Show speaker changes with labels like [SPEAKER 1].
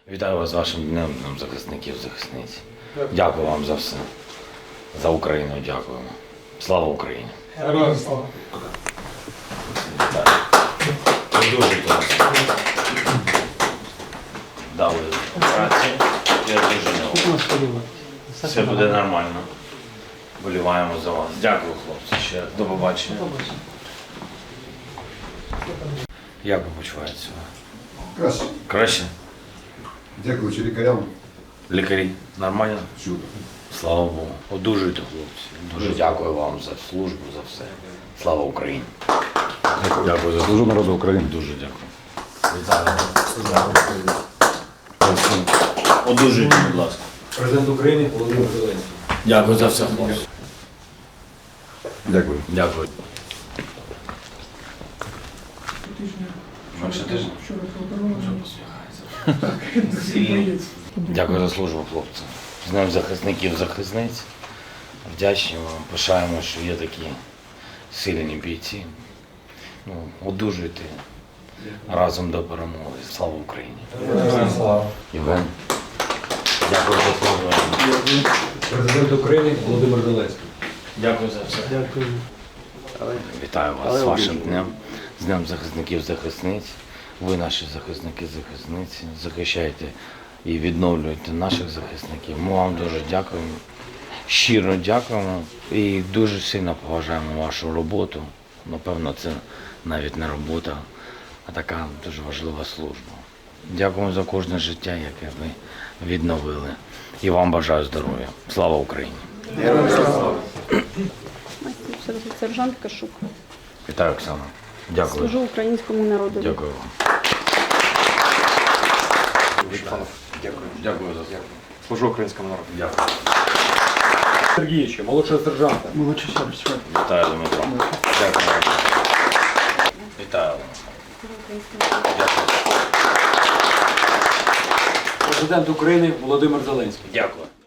[SPEAKER 1] Вітаю вас з вашим днем захисників, захисниць. Дякую вам за все. За Україну дякуємо. Слава Україні!
[SPEAKER 2] Героям слава!
[SPEAKER 1] Дуже класно. Дали праці. Я дуже не все буде нормально. Боліваємо за вас. Дякую, хлопці. Ще до побачення. Як ви почуваєтеся?
[SPEAKER 3] Краще.
[SPEAKER 1] Краще?
[SPEAKER 3] Дякуючи лікарям.
[SPEAKER 1] Лікарі нормально?
[SPEAKER 3] Чудо.
[SPEAKER 1] Слава Богу. Одужуйте, хлопці. Дуже дякую вам за службу, за все. Слава Україні. Дякую за
[SPEAKER 3] Служу народу України.
[SPEAKER 1] Дуже дякую. Вітаю. Одужуйте, будь ласка.
[SPEAKER 2] Президент України Володимир Зеленський.
[SPEAKER 1] Дякую за все, хлопці.
[SPEAKER 3] Дякую.
[SPEAKER 1] Дякую. Менше тижня? Дякую за службу, хлопці. З Днем захисників, захисниць. Вдячні вам, пишаємо, що є такі сильні бійці. Одужуйте разом до перемоги. Слава Україні. Євген. Дякую за службу.
[SPEAKER 2] Президент України Володимир Зеленський.
[SPEAKER 1] Дякую за все.
[SPEAKER 2] Дякую.
[SPEAKER 1] Вітаю вас з вашим днем, з Днем захисників, захисниць. Ви наші захисники, захисниці. Захищаєте і відновлюєте наших захисників. Ми вам дуже дякуємо. Щиро дякуємо і дуже сильно поважаємо вашу роботу. Напевно, це навіть не робота, а така дуже важлива служба. Дякуємо за кожне життя, яке ви відновили. І вам бажаю здоров'я. Слава Україні!
[SPEAKER 4] Сержант Кашук.
[SPEAKER 1] Вітаю, Оксана. Дякую.
[SPEAKER 4] Служу українському народу.
[SPEAKER 1] Дякую вам.
[SPEAKER 3] Дякую.
[SPEAKER 1] Дякую за це.
[SPEAKER 5] Служу українському народу.
[SPEAKER 1] Дякую.
[SPEAKER 2] Сергійовича, молодшого сержанта.
[SPEAKER 1] Вітаю, Дмитро. Дякую. Вітаю. Дякую.
[SPEAKER 2] Президент України Володимир Зеленський.
[SPEAKER 1] Дякую.